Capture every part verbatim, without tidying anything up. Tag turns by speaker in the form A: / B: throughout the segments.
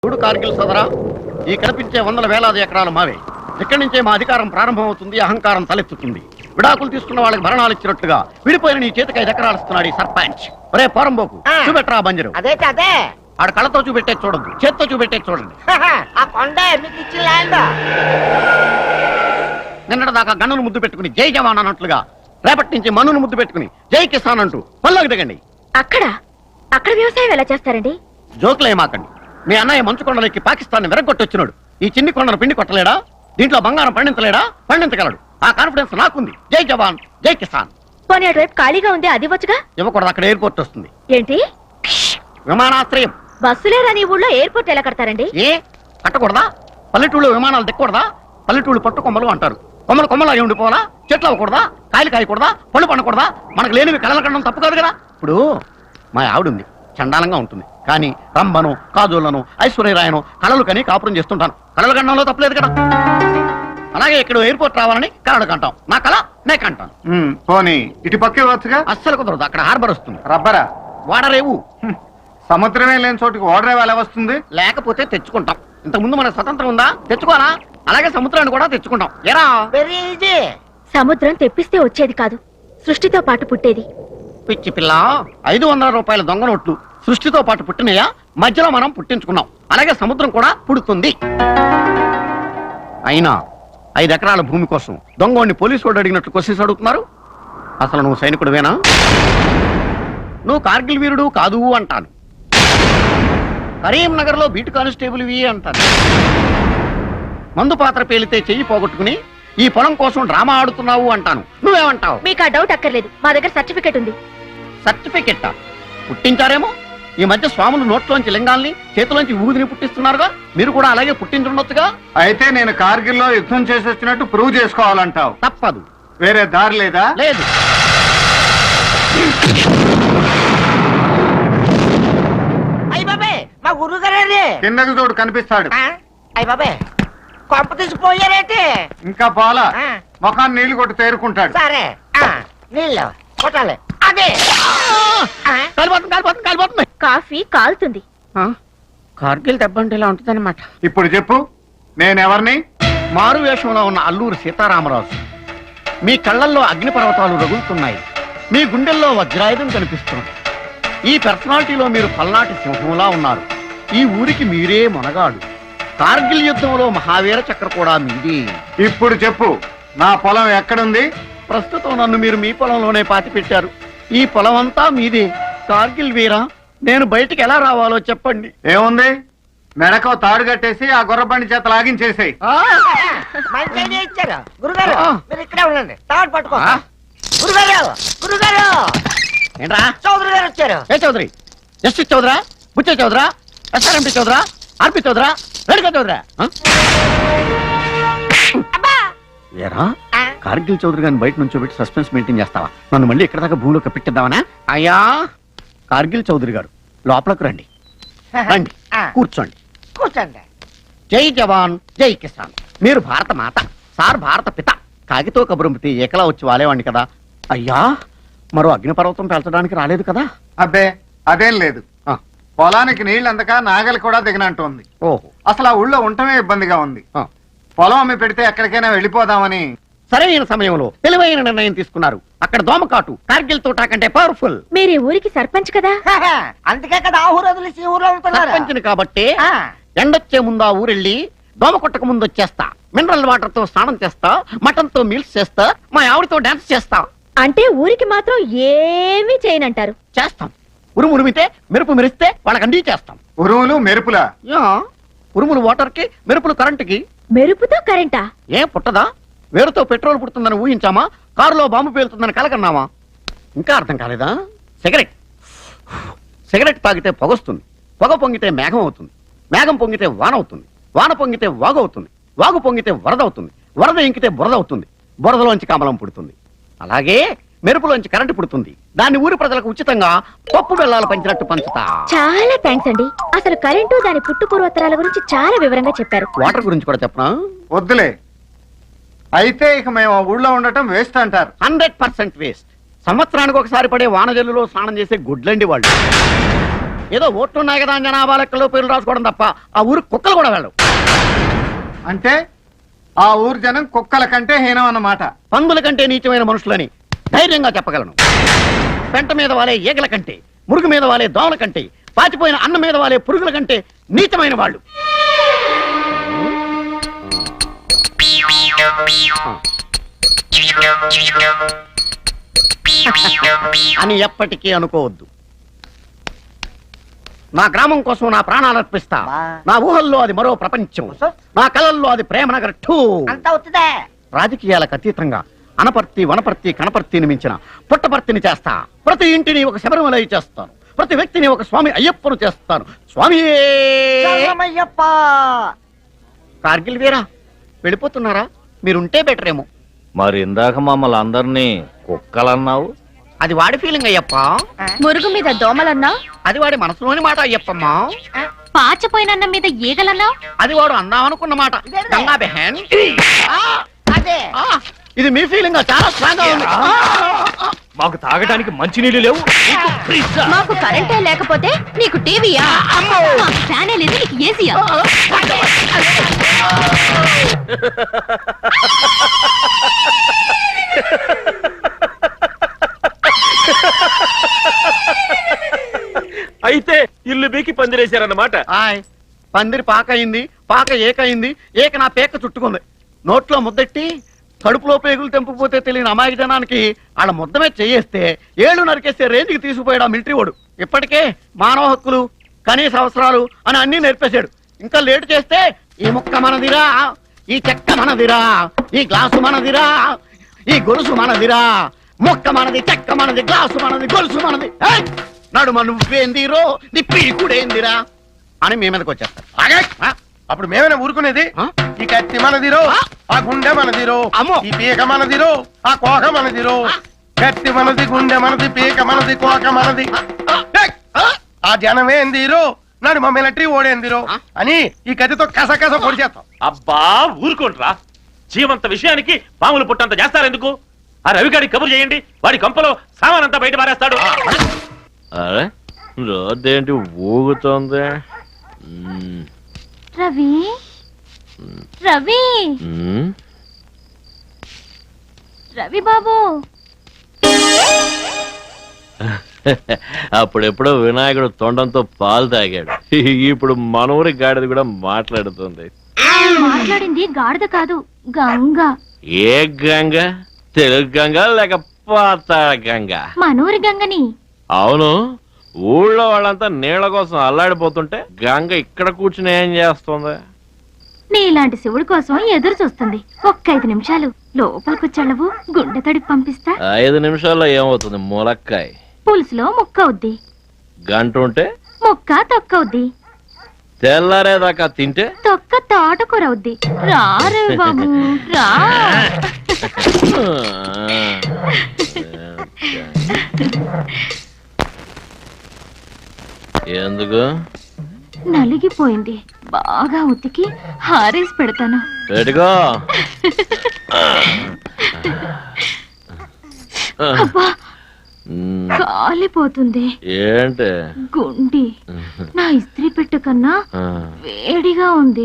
A: చూడు కార్గిల్ సోదరా, ఈ కనిపించే వందల వేలాది ఎకరాలు మావే. ఇక్కడి నుంచే మా అధికారం ప్రారంభమవుతుంది, అహంకారం తలెత్తుతుంది. విడాకులు తీసుకున్న వాళ్ళకి భరణాలు ఇచ్చినట్టుగా విడిపోయిన నీ చేతికి ఐదు ఎకరాలు ఇస్తున్నాడు ఈ సర్పంచ్. ఒరే పోరంబోకు, చూపెట్టరా బంజరు.
B: అదే అదే
A: ఆడ కళ్ళతో చూపెట్టే చూడద్దు, చేత్తో చూపెట్టే చూడండి.
B: ఆ కొండ మీకు ఇచ్చిన ల్యాండ్.
A: నిన్నటి దాకా గన్నును ముద్దు పెట్టుకుని జై జవాన్ అన్నట్లుగా రేపటి నుంచి మన్నును ముద్దు పెట్టుకుని జై కిసాన్ అంటూ పల్లోకి దిగండి.
C: అక్కడ అక్కడ వ్యవసాయం ఎలా చేస్తారండి?
A: జోకులేమాకండి. మీ అన్నయ్య మంచు కొండలకి పాకిస్తాన్ విరగొట్టొచ్చినాడు. ఈ చిన్ని కొండను పిండి కొట్టలేడా? దీంట్లో బంగారం పండించలేడా? పండించగలడు. ఆ కాన్ఫిడెన్స్ నాకుంది. జై జవాన్ జై కిసాన్.
C: పోనీ అటువైపు ఖాళీగా ఉంది, అది వచ్చుగా.
A: ఇవ్వకూడదు, అక్కడ ఎయిర్పోర్ట్ వస్తుంది.
C: ఏంటి?
A: విమానాశ్రయం.
C: బస్సులేరని ఊళ్ళో ఎయిర్పోర్ట్ ఎలా కడతారండి?
A: ఏ కట్టకూడదా? పల్లెటూళ్ళు విమానాలు దిక్కకూడదా? పల్లెటూళ్ళు పట్టు కొమ్మలు అంటారు. కొమ్మలు కొమ్మలు అయి ఉండిపోవాలా? చెట్లు అవ్వకూడదా? కాయలు కాయకూడదా? పళ్ళు పండకూడదా? మనకు లేనివి కళలు కనడం తప్పు కాదు కదా. ఇప్పుడు మా ఆవిడుంది, చండాలంగా ఉంటుంది, కానీ రంభను కాజోళ్లను ఐశ్వర్యరాయను కళలు కని కాపురం చేస్తుంటాను. కళలు కనడంలో తప్పలేదు కదా. అలాగే ఇక్కడ ఎయిర్పోర్ట్ రావాలని కళలు కంటాం. నా కళ నే కంటాను.
D: పోనీ ఇటు పక్కే వచ్చుగా.
A: అస్సలు కుదరదు, అక్కడ హార్బర్ వస్తుంది.
D: రబ్బరా
A: వాడరేవు.
D: సముద్రమే లేని చోటుకి ఓడరేవు ఎలా వస్తుంది?
A: లేకపోతే తెచ్చుకుంటాం. ఇంతకు ముందు మనకు స్వతంత్రం ఉందా? తెచ్చుకోవాలా? అలాగే సముద్రాన్ని కూడా తెచ్చుకుంటాం. ఎరా
B: వెరీ ఈజీ.
C: సముద్రం తెప్పిస్తే వచ్చేది కాదు, సృష్టితో పాటు పుట్టేది.
A: పిచ్చి పిల్ల, ఐదు వందల రూపాయల దొంగ నోట్లు సృష్టితో పాటు పుట్టినయా? మధ్యలో మనం పుట్టించుకున్నాం. అలాగే సముద్రం కూడా పుడుతుంది. అయినా ఐదు ఎకరాల భూమి కోసం దొంగోడిని పోలీసు వాడు అడిగినట్లు క్వశ్చన్స్ అడుగుతున్నారు. అసలు నువ్వు సైనికుడివేనా? నువ్వు కార్గిల్ వీరుడు కాదు అంటాను. కరీంనగర్ లో బీటు కానిస్టేబుల్ వి అంటాను. మందు పాత్ర పేలితే చెయ్యి పోగొట్టుకుని ఈ పొలం కోసం డ్రామా ఆడుతున్నావు అంటాను. నువ్వేమంటావు?
C: మీకు ఆ డౌట్ అక్కర్లేదు, మా దగ్గర సర్టిఫికెట్ ఉంది.
A: సర్టిఫికెట్ పుట్టించారేమో. ఈ మధ్య స్వాములు నోట్లోంచి లింగాల్ని చేతిలోంచి ఊదిని పుట్టిస్తున్నారుగా. మీరు కూడా అలాగే పుట్టించుండొచ్చుగా.
D: అయితే నేను కార్గిల్లో యుద్ధం చేసి వచ్చినట్టు ప్రూవ్ చేసుకోవాలంటావు.
A: తప్పదు.
D: వేరే దారి లేదా?
A: లేదు.
B: అయ్య బాబే, మా గురువు గారే
D: కిందకి చూడు, కనిపిస్తాడు.
B: అయ్య బాబే, కొంప తీసిపోయారేంటి?
D: ఇంకా పోలా.
B: ఆ.
D: ముఖాన్ని నీళ్లు కొట్టి తేరుకుంటాడు.
B: సరే నీళ్ళు కొట్టాలి. అదే
A: కాలిపోతుంది కాలిపోతుంది కాలిపోతుంది.
C: కాఫీ కాలుతుంది.
A: కార్గిల్ దెబ్బంటే ఇలా ఉంటుందన్నమాట.
D: ఇప్పుడు చెప్పు, నేనెవరిని?
A: మారు వేషంలో ఉన్న అల్లూరు సీతారామరాజు. మీ కళ్ళల్లో అగ్నిపర్వతాలు రగులుతున్నాయి, మీ గుండెల్లో వజ్రాయుధం కనిపిస్తుంది. ఈ పర్సనాలిటీలో మీరు పల్నాటి సింహంలా ఉన్నారు. ఈ ఊరికి మీరే మొనగాడు. కార్గిల్ యుద్ధంలో మహావీర చక్ర కూడా మీదే.
D: ఇప్పుడు చెప్పు, నా పొలం ఎక్కడుంది?
A: ప్రస్తుతం నన్ను మీరు మీ పొలంలోనే పాతి పెట్టారు. ఈ పొలం అంతా మీదే. కార్గిల్ వీరా, నేను బయటికి ఎలా రావాలో చెప్పండి.
D: ఏముంది, మెడకో తాడు కట్టేసి ఆ గుర్రబండి చేత లాగించేసాయి.
B: మంచి ఐడియా ఇచ్చారు గురుగారు.
A: ఆ.
B: మీరు ఇక్కడే ఉండండి, తాడు పట్టుకో.
A: ఆ?
B: గురుగారు గురుగారు
A: ఏంట్రా?
B: చౌదరి గారు వచ్చారు.
A: ఏ చౌదరి? జస్టిస్ చౌదరా? బుచ్చే చౌదరా? ఎస్ఆర్ఎంపీ చౌదరా? ఆర్పి చౌదరా? రెడ్గా చౌదరా? ఏరా,
B: ఆ?
A: కార్గిల్ చౌదరి గారిని బయట నుంచి పెట్టి సస్పెన్స్ మెయింటైన్ చేస్తావా? నన్ను మళ్ళీ ఇక్కడ దాకా భూమిలో కప్పెట్టిద్దామనా? అయ్యా కార్గిల్ చౌదరి గారు, లోపలకు రండి. రండి,
B: ఆ.
A: కూర్చోండి.
B: కూర్చోండి.
A: జై జవాన్ జై కిసాన్. మీరు భారత మాత, సార్ భారత పిత. కాగితో కబురంపితే ఏకలా వచ్చి వాలేవాడిని కదా. అయ్యా, మరో అగ్నిపర్వతం పెంచడానికి రాలేదు కదా?
D: అబ్బే అదేం లేదు.
A: ఆ.
D: పొలానికి నీళ్ళు అందక నాగలి కూడా దిగనంటుంది.
A: ఓహో.
D: అసలు ఆ ఊళ్ళో ఉండటమే ఇబ్బందిగా ఉంది.
A: ఆ.
D: పొలం అమ్మి పెడితే ఎక్కడికైనా వెళ్ళిపోదామని.
A: సరైన సమయంలో తెలివైన నిర్ణయం తీసుకున్నారు. అక్కడ దోమకాటు కార్గిల్ తోటా కంటే పవర్ఫుల్.
C: మీరు ఈ ఊరికి సర్పంచ్ కదా.
B: అందుకే కదా ఆ ఊరు వదిలేసి ఈ ఊరు వెళ్తున్నారు.
A: సర్పంచిని కాబట్టి
B: ఆ.
A: ఎండొచ్చే ముందు ఆ ఊరెళ్ళి దోమ కొట్టక ముందు వచ్చేస్తా. మినరల్ వాటర్ తో స్నానం చేస్తా, మటన్ తో మీల్స్ చేస్తా, మా ఆవిడతో డాన్స్ చేస్తా.
C: అంటే ఊరికి మాత్రం ఏమీ చేయనంటారు.
A: చేస్తాం. ఉరుము ఉరిమితే మెరుపు మెరిస్తే వాళ్ళకి అండి చేస్తాం.
D: ఉరువులు మెరుపులా?
A: యా, ఉరుములు వాటర్ కి, మెరుపులు కరెంటుకి.
C: మెరుపుతో కరెంటా?
A: ఏం పుట్టదా? వేరుతో పెట్రోల్ పుడుతుందని ఊహించామా? కారులో బాంబు పేలుతుందని కలకన్నామా? ఇంకా అర్థం కాలేదా? సిగరెట్ సిగరెట్ తాగితే పొగొస్తుంది, పొగ పొంగితే మేఘం అవుతుంది, మేఘం పొంగితే వాన అవుతుంది, వాన పొంగితే వాగు అవుతుంది, వాగు పొంగితే వరద అవుతుంది, వరద ఇంకితే బురద అవుతుంది, బురదలోంచి కమలం పుడుతుంది. అలాగే మెరుపులోంచి కరెంటు పుడుతుంది. దాన్ని ఊరి ప్రజలకు ఉచితంగా పప్పు బెల్లాలు పంచినట్టు పంచుతా.
C: చాలా థ్యాంక్స్ అండి. అసలు కరెంటు దాని పుట్టు పూర్వోత్తరాల గురించి చాలా వివరంగా చెప్పారు.
A: వాటర్ గురించి కూడా చెప్పనా?
D: వద్దులే. అయితే ఇక మేము ఆ ఊళ్ళో ఉండటం వేస్ట్ అంటారు.
A: Hundred percent waste. సంవత్సరానికి ఒకసారి పడే వానజల్లులో స్నానం చేసే గుడ్లండి వాళ్ళు. ఏదో ఓట్లున్నాయి కదా అని జనాభా లెక్కలో పేర్లు రాసుకోవడం తప్ప ఆ ఊరు కుక్కలు కూడా వెళ్ళవు.
D: అంటే ఆ ఊరు జనం కుక్కల కంటే హీనం అన్నమాట.
A: పందుల కంటే నీచమైన మనుషులని ధైర్యంగా చెప్పగలను. పెంట మీద వాలే ఈగల కంటే, మురుగు మీద వాలే దోమల కంటే, పాచిపోయిన అన్నం మీద వాలే పురుగుల కంటే నీచమైన వాళ్ళు. అని ఎప్పటికీ అనుకోవద్దు. నా గ్రామం కోసం నా ప్రాణాలు అర్పిస్తా. నా ఊహల్లో అది మరో ప్రపంచం, నా కళల్లో అది ప్రేమనగర్ టూ.
B: అంతా అవుతుందే.
A: రాజకీయాలకు అతీతంగా అనపర్తి వనపర్తి కనపర్తిని మించిన పుట్టపర్తిని చేస్తా. ప్రతి ఇంటిని ఒక శబరిమలై చేస్తాను, ప్రతి వ్యక్తిని ఒక స్వామి అయ్యప్పను చేస్తాను. స్వామి
B: శరణమయ్యప్ప.
A: కార్గిల్ వీరా వెళ్ళిపోతున్నారా? మీరుంటే బెటర్ ఏమో.
E: మరి ఇందాక మమ్మల్ని అందరినీ కుక్కలన్నావు.
A: అది వాడి ఫీలింగ్ అయ్యప్ప.
C: మురుగు మీద దోమలన్నా,
A: అది వాడి మనసులోని మాట అయ్యప్పమ్మా.
C: పాచిపోయిన అన్నం మీద ఈగలన్నా,
A: అది వాడు అందామనుకున్న మాట. గంగా బెహన్.
B: అదే
A: ఆ, ఇది మీ ఫీలింగ్ చాలా స్ట్రాంగ్ గా ఉంది.
E: మాకు తాగడానికి మంచినీళ్ళు లేవు.
C: మాకు కరెంటే లేకపోతే నీకు టీవీయా? మాకు ఫ్యానే లేదు, నీకు ఏసీయా?
E: అయితే ఇల్లు బీకి పందిరేశారన్నమాట.
A: ఆయ్, పందిరి పాక అయింది, పాక ఏకయింది, ఏక నా పేక చుట్టుకుంది. నోట్లో ముద్దెట్టి కడుపులో పేగులు తెంపుకుపోతే తెలియని అమాయక జనానికి వాళ్ళ ముద్దమే చేయేస్తే ఏళ్ళు నరికేస్తే రేంజ్కి తీసుకుపోయాడు ఆ మిలిటరీ వాడు. ఇప్పటికే మానవ హక్కులు, కనీస అవసరాలు అని అన్ని నేర్పేశాడు. ఇంకా లేటు చేస్తే ఈ ముక్క మనదిరా, ఈ చెక్క మనదిరా, ఈ గ్లాసు మనదిరా, ఈ గొలుసు మనదిరా, ముక్క మనది, చెక్క మనది, గ్లాసు మనది, గొలుసు మనది. ఏయ్! నడుమ నువ్వేందిరో, నీ పీకుడేందిరా అని మీ మీదకి వచ్చేస్తారు. ఆ?
F: అప్పుడు మేమైనా ఊరుకునేది?
A: ఆ?
F: ఈ కత్తి మనదిరో, ఆ గుండె మనదిరో,
A: అమ్మో.
F: ఈ పీక మనదిరో, ఆ కోక మనదిరో. కత్తి మనది, గుండె మనది, పీక మనది, కోక మనది. ఏయ్! ఆ జనమేందిరో, నాడు మా మిలిటరీ ఓడేందిరో అని ఈ కత్తితో కస కస పొడి చేస్తాం.
G: అబ్బా ఊరుకోండ్రా. జీవంత విషయానికి పాములు పుట్టంత చేస్తారెందుకు? ఆ రవిగాడి కబురు చేయండి, వాడి కంపలో సామానంతా బయట పారేస్తాడు.
E: అరే రోడ్డేంటి ఊగుతోంది? మ్మ్.
C: రవి, రవి,
E: మ్మ్.
C: రవి బాబు.
E: అప్పుడెప్పుడో వినాయకుడు తొండంతో పాలు తాగాడు. ఇప్పుడు మనూరి గాడిద కూడా మాట్లాడుతుంది.
C: మాట్లాడింది గాడిద కాదు, గంగ.
E: ఏ గంగ? తెలుగు గంగ లేక పాతాళ గంగ?
C: మనూరి గంగని.
E: అవును, ఊళ్ళో వాళ్ళంతా నీళ్ల కోసం అల్లాడిపోతుంటే గంగ ఇక్కడ కూర్చుని ఏం చేస్తుంది?
C: నీలాంటి శివుడి కోసం ఎదురు చూస్తుంది. ఒక్క ఐదు నిమిషాలు లోపలికి వచ్చాళ్ళవు, గుండె తడిపి పంపిస్తా.
E: ఐదు నిమిషాల్లో ఏమవుతుంది? ములక్కాయ
C: పులుసులో ముక్క అవుద్ది,
E: గంట ఉంటే
C: ముక్క తొక్క అవుద్ది,
E: తెల్లారేదాకా తింటే
C: తొక్క తోటకూర అవుద్ది. రా రవి బాబు రా.
E: ఎందుకు?
C: నలిగిపోయింది, బాగా ఉతికి హారేసి పెడతాను.
E: పెట్టుకో.
C: అబ్బా,
E: మ్,
C: కాలిపోతుంది.
E: ఏంటి?
C: గుండి నా ఇస్త్రీ పెట్టు కన్నా
E: ఆ.
C: వేడిగా ఉంది.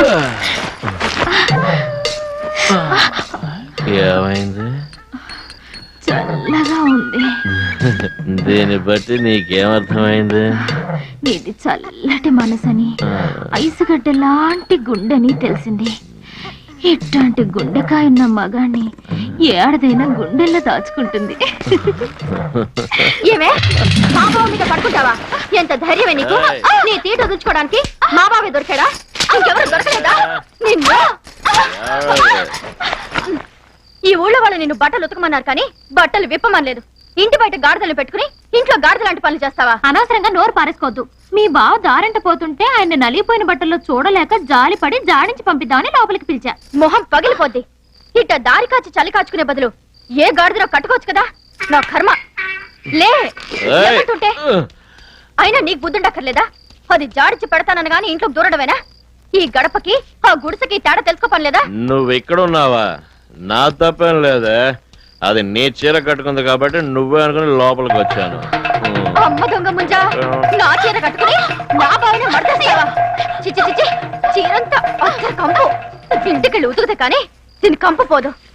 E: ఏమైంది?
C: చల్లగా ఉంది.
E: దీన్ని బట్టి నీకేమర్థమైంది?
C: నీది చల్లటి మనసని,
E: ఆ.
C: ఐసుగడ్డ లాంటి గుండెని తెలిసింది. ఇట్లాంటి గుండెకాయ ఉన్న మగాన్ని ఏడాదైనా గుండెల్లో దాచుకుంటుంది. ఏమే మా బావ మీద పడుకుంటావా? ఎంత ధైర్యమే నీకు? నీ తీట వదులుకోవడానికి మా బావే దొరికాడా? ఇంకెవరు దొరకలేదా? నిన్ను ఈ ఊళ్ళో వాళ్ళు నిన్ను బట్టలు ఉతకమన్నారు కానీ బట్టలు విప్పమనలేదు. ఇంటి బయట గాడిదలు పెట్టుకుని ఇంట్లో గాడిద లాంటి పనులు చేస్తావా? అనవసరంగా నోరు పారేసుకోవద్దు. మీ బావ దారంట పోతుంటే ఆయన నలిగిపోయిన బట్టల్లో చూడలేక జాలిపడి జాడించి పంపిద్దామని లోపలికి పిలిచా. మొహం పగిలిపోద్ది. ఇట్ట దారి కాచి చలి కాచుకునే బదులు ఏ గాడిదలో కట్టుకోవచ్చు కదా. నా కర్మ. లే లేకుంటుంటే అయినా నీకు బుద్ధుండక్కర్లేదా? అది జాడించి పెడతానని గాని ఇంట్లో దూరడమేనా? ఈ గడపకి ఆ గుడిసెకి తేడా తెలుసుకోపనిలేదా?
E: నువ్వు ఇక్కడున్నావా? నా తప్పేం లేదే. అది నీ చీర కట్టుకుంది కాబట్టి నువ్వే అనుకుని లోపలికి వచ్చాను.
C: అమ్మ దొంగ ముంజా నా చీర కట్టుకుని నా బావిని మడతేస్తావా? చిచ్చి చిచ్చి చీరంతా అత్తర కంపు ఇంటికెళ్ళి ఉతుకుతే కానీ దీని కంపు పోదు.